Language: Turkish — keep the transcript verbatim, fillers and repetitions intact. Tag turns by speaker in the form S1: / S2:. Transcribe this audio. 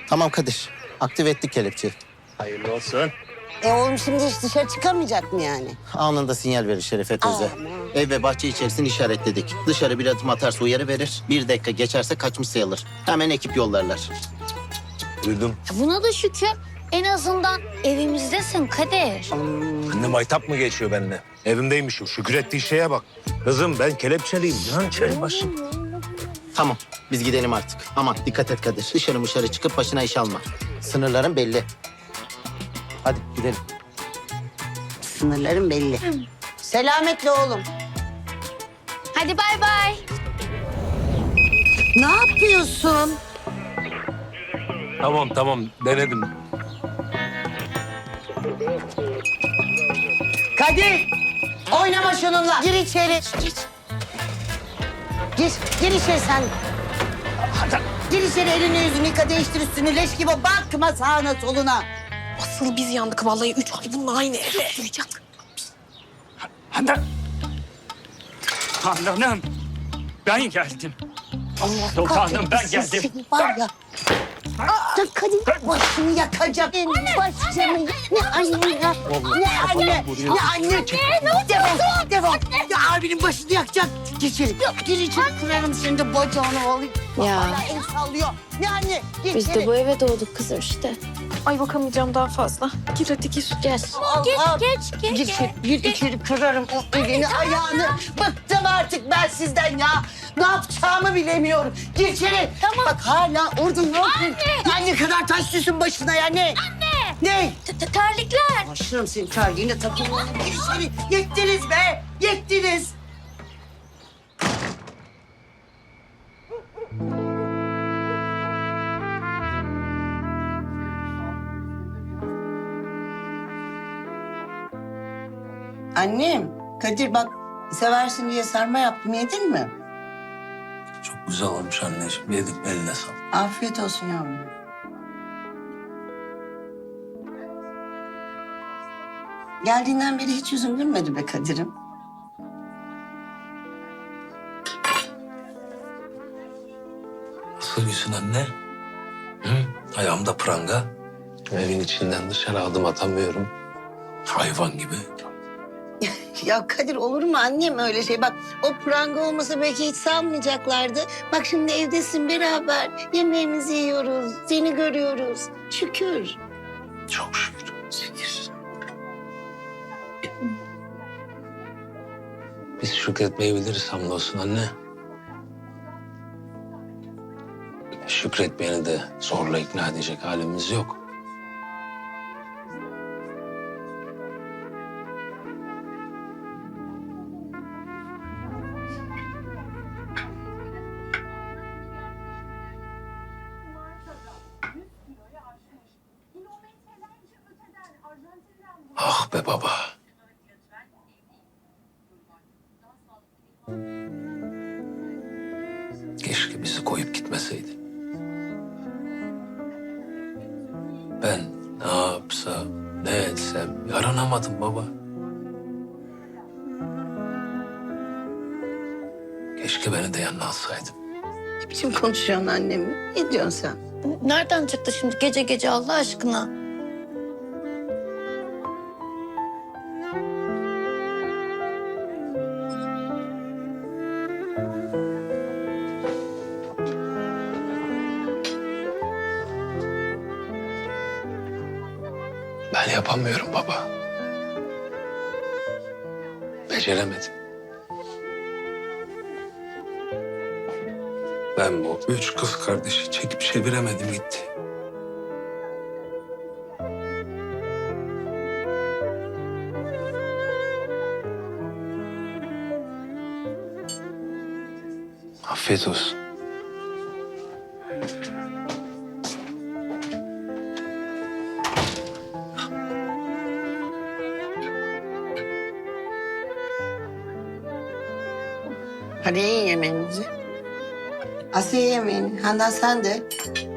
S1: Tamam Kadir. Aktive ettik kelepçeyi.
S2: Hayırlı olsun.
S3: E oğlum şimdi hiç dışarı çıkamayacak mı yani?
S1: Anında sinyal verir Şerefe teyze.
S3: Aman.
S1: Ev ve bahçe içerisini işaretledik. Dışarı bir adım atarsa uyarı verir. Bir dakika geçerse kaçmış sayılır. Hemen ekip yollarlar.
S4: Duydum.
S5: Buna da şükür. En azından evimizdesin Kadir.
S4: Anne maytap mı geçiyor benimle? Evimdeymişim. Şükür ettiği şeye bak. Kızım ben kelepçeliyim. Ya içeri başım.
S1: Tamam biz gidelim artık. Aman dikkat et Kadir. Dışarı dışarı çıkıp başına iş alma. Sınırların belli. Hadi gidelim.
S3: Sınırların belli. Selametle oğlum.
S5: Hadi bay bay.
S3: Ne yapıyorsun?
S4: Tamam tamam denedim.
S3: Kadir! Oynama şununla. Gir içeri. Gir. Gir, gir içeri sen. Gir içeri, elini yüzünü yıka, değiştir üstünü, leş gibi bakma sağına soluna.
S6: Asıl biz yandık vallahi. Üç ay bununla aynı evde oturacak.
S2: Handan. Handan'ım. Ben geldim.
S3: Allah
S2: Sultanım, ben
S3: kahretsin
S2: geldim.
S3: seni var ya. Aa, Kadir başını yakacak. Benim başımı. Ne anne ya. Ne anne. Ne anne. Defol. Defol. Ya abinin başını yakacak. Gir içeri. Gir içeri. Kırarım senin de bacağını alayım.
S5: Ya.
S3: Hala el sallıyor. Ne anne. Gir
S5: Biz
S3: içeri.
S5: de bu eve doğduk kızım işte.
S6: Ay bakamayacağım daha fazla. Gir hadi gir.
S5: Gel.
S3: Allah.
S5: Geç, geç,
S3: Gir
S5: geç.
S3: içeri. Gir içeri. Kırarım o elini ayağını. Bıktım artık ben sizden ya. Ne yapacağımı bilemiyorum. Gir içeri.
S5: Tamam.
S3: Bak hala orada ne yapıyorsun? Anne kadar taş düşsün başına ya ne?
S5: Anne.
S3: Ne?
S5: T- t- Terlikler.
S3: Başlarım senin terliğine takılmanı. Gir içeri. Yettiniz be. Yettiniz. Annem, Kadir bak seversin diye sarma yaptım. Yedin mi?
S4: Çok güzel olmuş anneciğim. Yedik eline sağlık.
S3: Afiyet olsun yavrum. Geldiğinden beri hiç yüzün gülmedi be Kadir'im.
S4: Nasıl gülsün anne? Hı? Ayağımda pranga. Evin içinden dışarı adım atamıyorum. Hayvan gibi.
S3: Ya Kadir olur mu annem öyle şey? Bak o pranga olmasa belki hiç salmayacaklardı. Bak şimdi evdesin beraber. Yemeğimizi yiyoruz. Seni görüyoruz. Şükür.
S4: Çok şükür.
S3: Şükür.
S4: Biz şükretmeyi biliriz hamdolsun anne. Şükretmeyeni de zorla ikna edecek halimiz yok. Ah be baba. Keşke bizi koyup gitmeseydi. Ben ne yapsam, ne etsem yaranamadım baba. Keşke beni de yanına alsaydın.
S3: Ne biçim konuşuyorsun annem? Ne diyorsun sen?
S5: Nereden çıktı şimdi gece gece Allah aşkına?
S4: Ben yapamıyorum baba. Beceremedim. Ben bu üç kız kardeşi çekip çeviremedim gitti. Afiyet olsun.
S3: Hadi yiyin yemeğinizi. Asiye yemeğini. Handan sen de.